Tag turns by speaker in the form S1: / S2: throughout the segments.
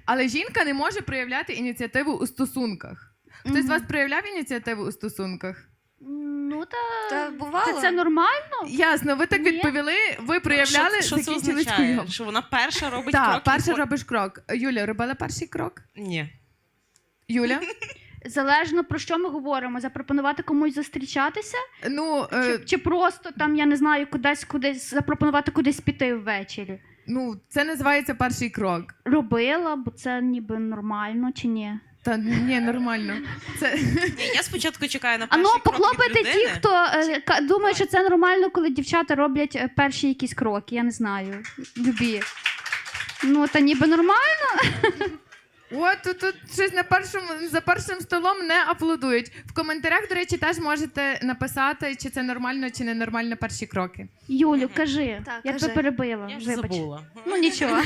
S1: Але жінка не може проявляти ініціативу у стосунках. Хтось з вас проявляв ініціативу у стосунках?
S2: Ну,
S3: Та бувало.
S2: це нормально.
S1: Ясно, ви так
S2: Ні.
S1: відповіли, ви проявляли,
S4: Що це
S1: закінчили
S4: означає?
S1: скуйом.
S4: Що вона перша робить крок?
S1: Так, перша
S4: і
S1: робиш крок. Юля, робила перший крок?
S4: Ні.
S1: Юля?
S2: Залежно про що ми говоримо. Запропонувати комусь зустрічатися?
S1: Ну,
S2: Чи просто там, я не знаю, кудись запропонувати кудись піти ввечері?
S1: ну, це називається перший крок.
S2: Робила, бо це ніби нормально, чи ні?
S1: Та ні, нормально. Це...
S4: Ні, я спочатку чекаю на
S2: А
S4: перший
S2: ну,
S4: крок від
S2: похлопайте
S4: людини.
S2: ті, хто думає, що це нормально, коли дівчата роблять перші якісь кроки, я не знаю, любі. Ну, та ніби нормально.
S1: От тут щось за першим столом не аплодують. В коментарях, до речі, теж можете написати, чи це нормально, чи не нормально перші кроки.
S2: Юлю, кажи,
S3: Так,
S2: я
S3: кажи.
S2: тебе перебила,
S4: Я ж
S2: вибач.
S4: забула.
S2: Ну, нічого.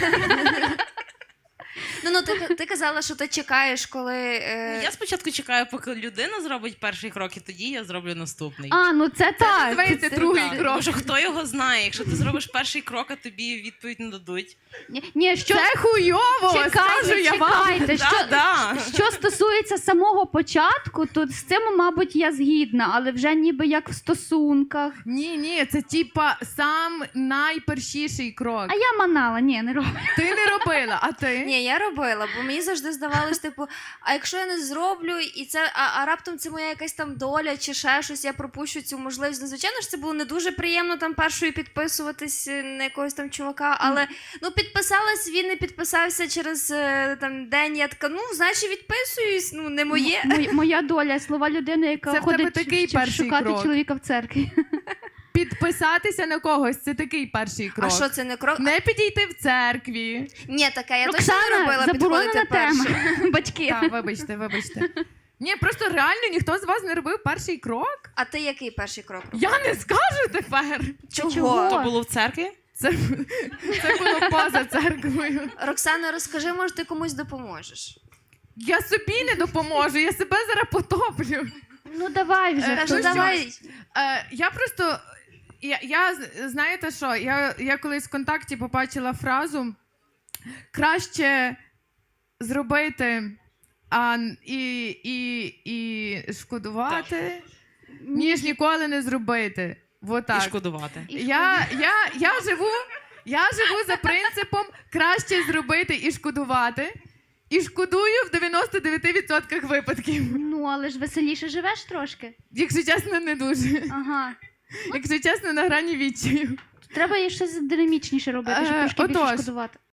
S3: Ну, ти казала, що ти чекаєш, коли...
S4: Я спочатку чекаю, поки людина зробить перший крок, і тоді я зроблю наступний.
S2: А, ну це так.
S1: Називається
S3: це
S1: другий
S3: так.
S1: крок.
S4: Тому що хто його знає, якщо ти зробиш перший крок, а тобі відповідь не дадуть.
S2: Ні, що...
S1: Це хуйово, скажу я вам.
S2: Чекайте,
S4: Да.
S2: що стосується самого початку, то з цим, мабуть, я згідна, але вже ніби як в стосунках.
S1: Ні, це типа сам найпершіший крок.
S2: А я манала, ні, не роблю.
S1: Ти не робила, а ти?
S3: Ні, я робила, бо мені завжди здавалось, типу, а якщо я не зроблю, і це, а раптом це моя якась там доля чи ще щось, я пропущу цю можливість. Ну, звичайно ж, це було не дуже приємно там першою підписуватись на якогось там чувака, але ну підписалась, він не підписався через там день, я така, ну, значить відписуюсь, ну, не моє.
S2: Моя доля, слова людини, яка
S1: Це в тебе
S2: ходить
S1: такий
S2: щоб
S1: перший
S2: шукати
S1: крок.
S2: чоловіка в церкві.
S1: Підписатися на когось, це такий перший крок.
S3: А що це не крок?
S1: Не підійти в церкві.
S3: Ні, таке, я точно не
S2: Оксана,
S3: робила
S2: заборонена
S3: підходити
S2: тема.
S3: першою.
S2: Батьки.
S1: Так, вибачте. Ні, просто реально ніхто з вас не робив перший крок.
S3: А ти який перший крок робив?
S1: Я не скажу тепер.
S3: Чого?
S4: То було в церкві?
S1: Це було поза церквою.
S3: Роксана, розкажи, може, ти комусь допоможеш?
S1: Я собі не допоможу, я себе зараз потоплю.
S2: Ну давай вже.
S3: Кажу,
S1: ну,
S3: давай.
S1: Я просто. Знаєте що? Я колись в контакті побачила фразу краще зробити і шкодувати, ніж ніколи не зробити. Вот
S4: І
S1: так.
S4: шкодувати.
S1: Я живу за принципом краще зробити і шкодувати. І шкодую в 99% випадків.
S2: Ну, але ж веселіше живеш трошки.
S1: Якщо чесно, не дуже.
S2: Ага.
S1: Якщо чесно, на грані відчаю.
S2: Треба і щось динамічніше робити, щоб трошки більше
S1: Отож.
S2: шкодувати.